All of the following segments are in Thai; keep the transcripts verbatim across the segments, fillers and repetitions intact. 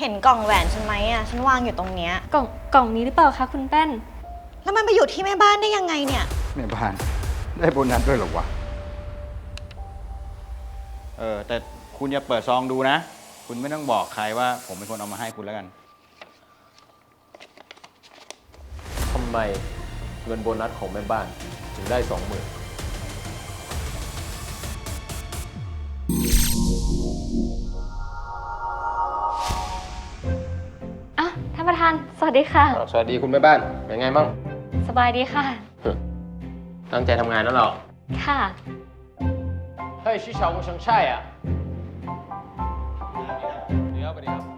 เห็นกล่องแหวนฉันไหมอ่ะฉันวางอยู่ตรงเนี้ยกล่องกล่องนี้หรือเปล่าคะคุณแป้นแล้วมันไปอยู่ที่แม่บ้านได้ยังไงเนี่ยแม่บ้านได้โบนัสด้วยหรอวะเออแต่คุณอย่าเปิดซองดูนะคุณไม่ต้องบอกใครว่าผมเป็นคนเอามาให้คุณแล้วกันทำไมเงินโบนัสของแม่บ้านถึงได้สองหมื่นอ่ะท่านประธานสวัสดีค่ะสวัสดีคุณแม่บ้านเป็นไงบ้างสบายดีค่ะตั้งใจทำงานแล้วเหรอค่ะเฮ้ยชื่อชาววงชังชัยอ่ะเดี๋ยวไปดิครับ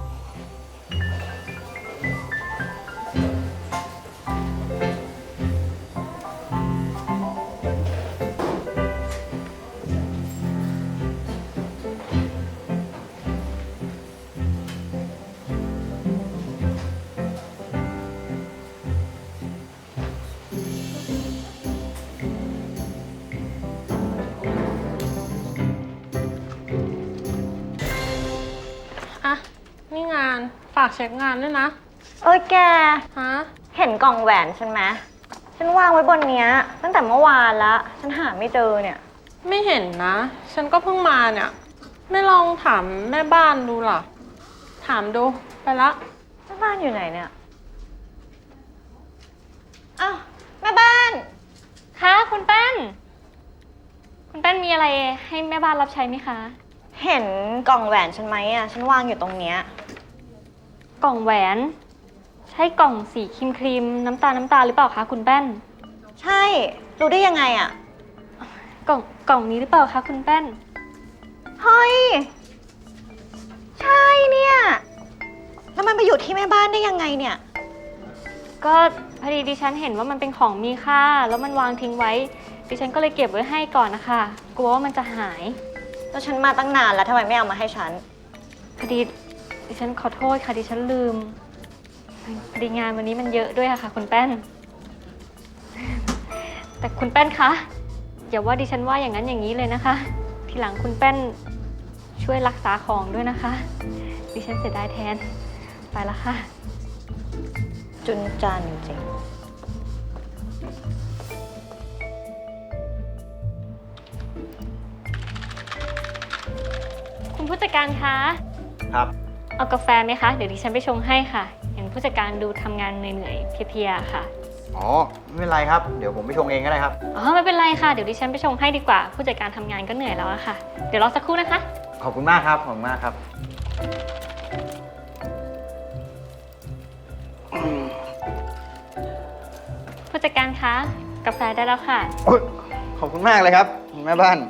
นี่งานฝากเช็คงานด้วยนะเอ้ยแกฮะเห็นกล่องแหวนฉันไหมฉันวางไว้บนเนี้ยตั้งแต่เมื่อวานละฉันหาไม่เจอเนี่ยไม่เห็นนะฉันก็เพิ่งมาเนี่ยไม่ลองถามแม่บ้านดูหรอถามดูไปละแม่บ้านอยู่ไหนเนี่ยอ้าวแม่บ้านคะคุณแป้นคุณแป้นมีอะไรให้แม่บ้านรับใช้ไหมคะเห็นกล่องแหวนฉันไหมอ่ะฉันวางอยู่ตรงเนี้ยกล่องแหวนใช่กล่องสีครีมครีมน้ำตาลน้ำตาลหรือเปล่าคะคุณแป้นใช่รู้ได้ยังไงอ่ะกล่องกล่องนี้หรือเปล่าคะคุณแป้นเฮ้ยใช่เนี่ยแล้วมันไปอยู่ที่แม่บ้านได้ยังไงเนี่ยก็พอดีดิฉันเห็นว่ามันเป็นของมีค่าแล้วมันวางทิ้งไว้ดิฉันก็เลยเก็บไว้ให้ก่อนนะคะกลัวว่ามันจะหายแล้วฉันมาตั้งนานแล้วทำไมไม่เอามาให้ฉันพอดีดิฉันขอโทษค่ะดิฉันลืมพอดีงานวันนี้มันเยอะด้วยค่ะคุณแป้นแต่คุณแป้นคะอย่าว่าดิฉันว่าอย่างนั้นอย่างนี้เลยนะคะทีหลังคุณแป้นช่วยรักษาของด้วยนะคะดิฉันเสียดายแทนไปละค่ะจุนจานจริงคุณผู้จัดการคะครับเอากาแฟไหมคะเดี๋ยวดิฉันไปชงให้ค่ะเห็นผู้จัดการดูทำงานเหนื่อยๆเพลียๆค่ะอ๋อไม่เป็นไรครับเดี๋ยวผมไปชงเองก็ได้ครับอ๋อไม่เป็นไรค่ะเดี๋ยวดิฉันไปชงให้ดีกว่าผู้จัดการทำงานก็เหนื่อยแล้วอะค่ะเดี๋ยวรอสักครู่นะคะขอบคุณมากครับขอบคุณมากครับผู้จัดการคะกาแฟได้แล้วค่ะขอบคุณมากเลยครับแม่บ้าน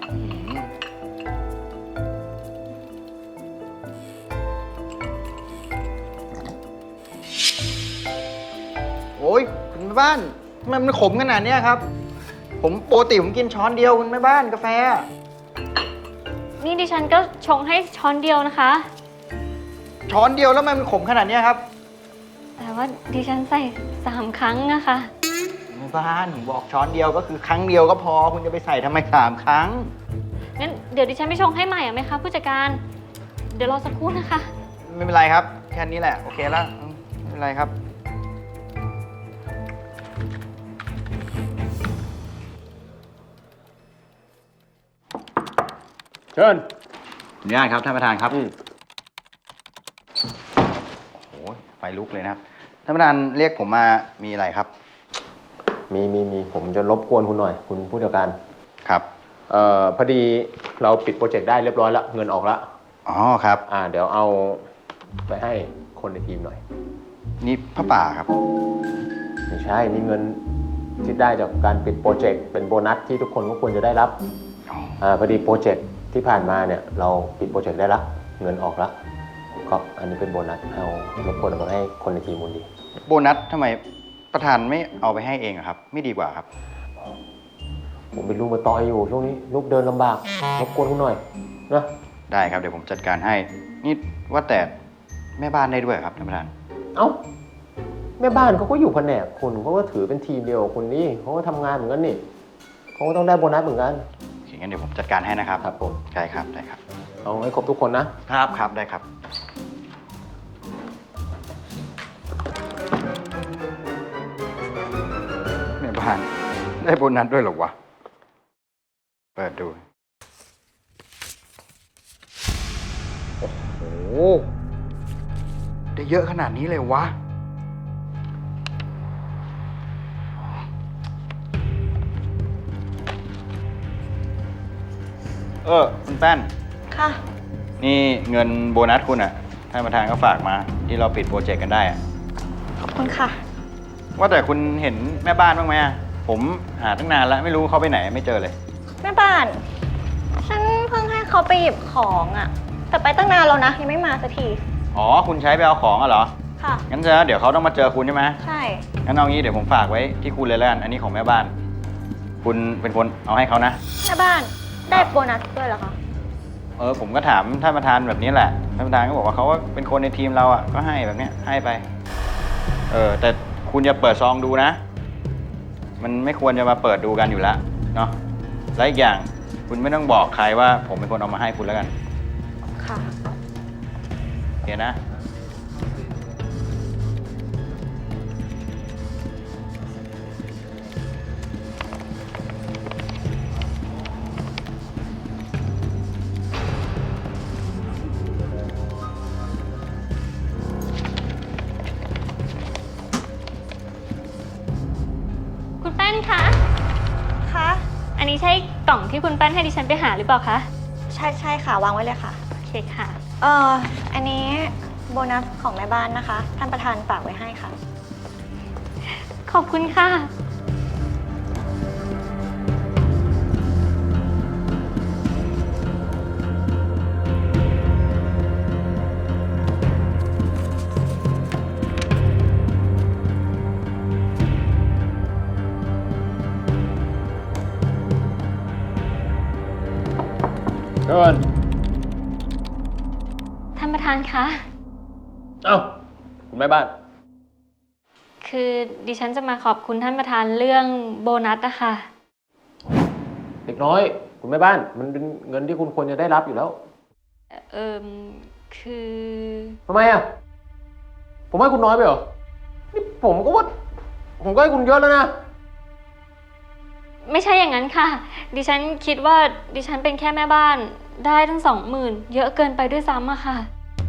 โอ้ยคุณแม่บ้านทำไมมันขมขนาดนี้ครับผมปกติผมกินช้อนเดียวคุณแม่บ้านกาแฟนี่ดิฉันก็ชงให้ช้อนเดียวนะคะช้อนเดียวแล้วมันขมขนาดนี้ครับแต่ว่าดิฉันใส่สามครั้งนะคะแม่บ้านผมบอกช้อนเดียวก็คือครั้งเดียวก็พอคุณจะไปใส่ทำไมสามครั้งงั้นเดี๋ยวดิฉันไปชงให้ใหม่อ่ะไหมคะผู้จัดการเดี๋ยวรอสักครู่นะคะไม่เป็นไรครับแค่นี้แหละโอเคแล้วไม่เป็นไรครับเชิญอนุญาตครับท่านประธานครับโอ้โหไฟลุกเลยนะครับท่านประธานเรียกผมมามีอะไรครับมีมีมีผมจะรบกวนคุณหน่อยคุณผู้จัดการครับเอ่อพอดีเราปิดโปรเจกต์ได้เรียบร้อยแล้วเงินออกแล้วอ๋อครับอ่าเดี๋ยวเอาไปให้คนในทีมหน่อยนี่พระป่าครับไม่ใช่นี่เงินที่ได้จากการปิดโปรเจกต์เป็นโบนัสที่ทุกคนก็ควรจะได้รับอ่าพอดีโปรเจกต์ที่ผ่านมาเนี่ยเราปิดโปรเจกต์ได้ละเงินออกแล้วก็อันนี้เป็นโบนัสเอารบกวนเอาไปให้คนในทีมมูลดีโบนัสทำไมประธานไม่เอาไปให้เองอะครับไม่ดีกว่าครับผมเป็นลูกมาต่อยอยู่ช่วงนี้ลูกเดินลำบากรบกวนคุณหน่อยนะได้ครับเดี๋ยวผมจัดการให้นี่ว่าแต่แม่บ้านได้ด้วยครับท่านประธานเอ้าแม่บ้านเขาก็อยู่แผนกคุณเขาก็ถือเป็นทีมเดียวคุณนี่เขาก็ทำงานเหมือนกันนี่เขาก็ต้องได้โบนัสเหมือนกันอย่างนั้นเดี๋ยวผมจัดการให้นะครับครับผมได้ครับได้ครับเอาให้ครบทุกคนนะครับครับได้ครับได้โบนัสด้วยเหรอวะ เปิดดู โอ้โห ได้เยอะขนาดนี้เลยวะ เออ คุณแป้นค่ะนี่เงินโบนัสคุณอะท่านประธานก็ฝากมา ที่เราปิดโปรเจกต์กันได้อะขอบคุณค่ะว่าแต่คุณเห็นแม่บ้านบ้างไหมอะผมหาตั้งนานแล้วไม่รู้เขาไปไหนไม่เจอเลยแม่บ้าน ฉันเพิ่งให้เขาไปหยิบของอะ แต่ไปตั้งนานแล้วนะ ยังไม่มาสักทีอ๋อ คุณใช้ไปเอาของอะเหรอค่ะงั้นจะเดี๋ยวเขาต้องมาเจอคุณใช่ไหมใช่งั้นเอางี้เดี๋ยวผมฝากไว้ที่คุณเลยแล้วกันอันนี้ของแม่บ้าน คุณเป็นคนเอาให้เขานะแม่บ้าน ได้โบนัสด้วยเหรอคะเออผมก็ถามท่านประธานแบบนี้แหละ ท่านประธานก็บอกว่าเขาก็เป็นคนในทีมเราอ่ะ ก็ให้แบบเนี้ยให้ไป เออแต่คุณอย่าเปิดซองดูนะ มันไม่ควรจะมาเปิดดูกันอยู่แล้วเนาะ และอีกอย่างคุณไม่ต้องบอกใครว่าผมเป็นคนเอามาให้คุณแล้วกันค่ะโอเคนะคุณแป้นคะคะอันนี้ใช่กล่องที่คุณแป้นให้ดิฉันไปหาหรือเปล่าคะใช่ใช่ค่ะ วางไว้เลยค่ะโอเคค่ะเอ่อ อันนี้โบนัสของแม่บ้านนะคะ ท่านประธานฝากไว้ให้ค่ะขอบคุณค่ะเชิญท่านประธานคะเอ้า คุณแม่บ้านคือดิฉันจะมาขอบคุณท่านประธานเรื่องโบนัสนะคะเด็กน้อย คุณแม่บ้าน มันเป็นเงินที่คุณควรจะได้รับอยู่แล้วเอิมคือทำไมอ่ะ ผมให้คุณน้อยไปเหรอ นี่ผมก็ว่า ผมก็ให้คุณเยอะแล้วนะไม่ใช่อย่างนั้นค่ะ ดิฉันคิดว่าดิฉันเป็นแค่แม่บ้าน ได้ทั้งสองหมื่นเยอะเกินไปด้วยซ้ำอะค่ะ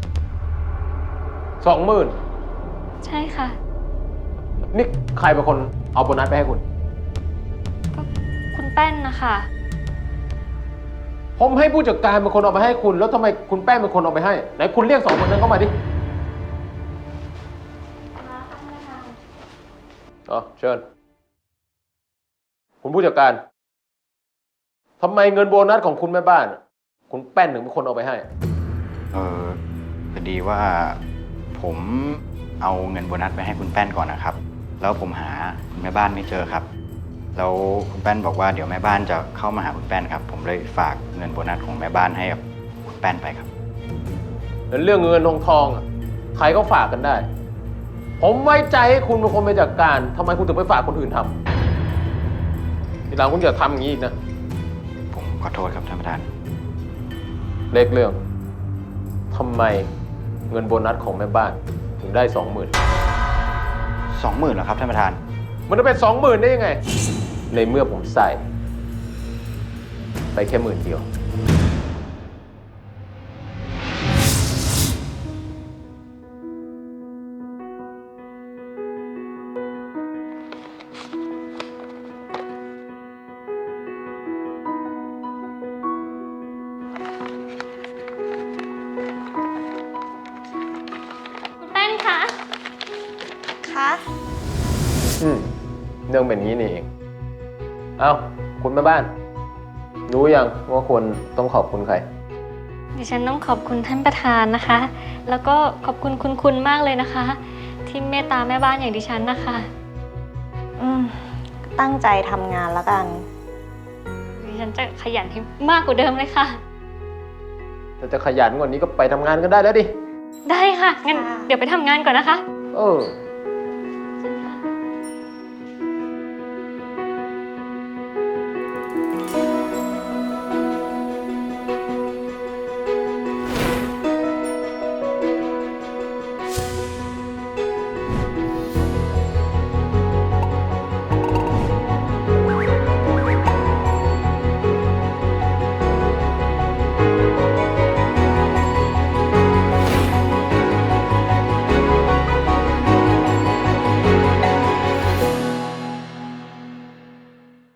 สองหมื่นใช่ค่ะนี่ใครเป็นคนเอาโบนัสไปให้คุณก็คุณแป้นนะคะผมให้ผู้จัดการเป็นคนเอาไปให้คุณ แล้วทำไมคุณแป้งเป็นคนเอาไปให้ ไหนคุณเรียกสองคนนั้นเข้ามาดิอ๋อเชิญ คุณผู้จัดการทำไมเงินโบนัสของคุณแม่บ้าน คุณแป้นถึงเป็นคนเอาไปให้เออพอดีว่าผมเอาเงินโบนัสไปให้คุณแป้นก่อนนะครับ แล้วผมหาคุณแม่บ้านไม่เจอครับ แล้วคุณแป้นบอกว่าเดี๋ยวแม่บ้านจะเข้ามาหาคุณแป้นครับ ผมเลยฝากเงินโบนัสของแม่บ้านให้กับคุณแป้นไปครับเรื่องเงินทองทองอ่ะใครก็ฝากกันได้ ผมไว้ใจให้คุณเป็นคนไปจัดการทำไมคุณถึงไปฝากคนอื่นทำทีหลังคุณอย่าทำอย่างนี้อีกนะผมขอโทษครับท่านประธานเล็กเรื่องทำไมเงินโบนัสของแม่บ้านถึงได้สองหมื่นสองหมื่นเหรอครับท่านประธานมันจะเป็นสองหมื่นได้ยังไง ในเมื่อผมใส่ ไปแค่หมื่นเดียวคุณแป้นคะคะอืมเรื่องแบบนี้นี่เอง เอาคุณแม่บ้าน รู้ยังว่าควรต้องขอบคุณใครดิฉันต้องขอบคุณท่านประธานนะคะ แล้วก็ขอบคุณคุณคุณมากเลยนะคะ ที่เมตตาแม่บ้านอย่างดิฉันนะคะอืม ตั้งใจทำงานแล้วกันดิฉันจะขยันให้มากกว่าเดิมเลยค่ะถ้าจะขยันกว่านี้ก็ไปทำงานกันได้แล้วดิได้ค่ะ งั้นค่ะเดี๋ยวไปทำงานก่อนนะคะเออ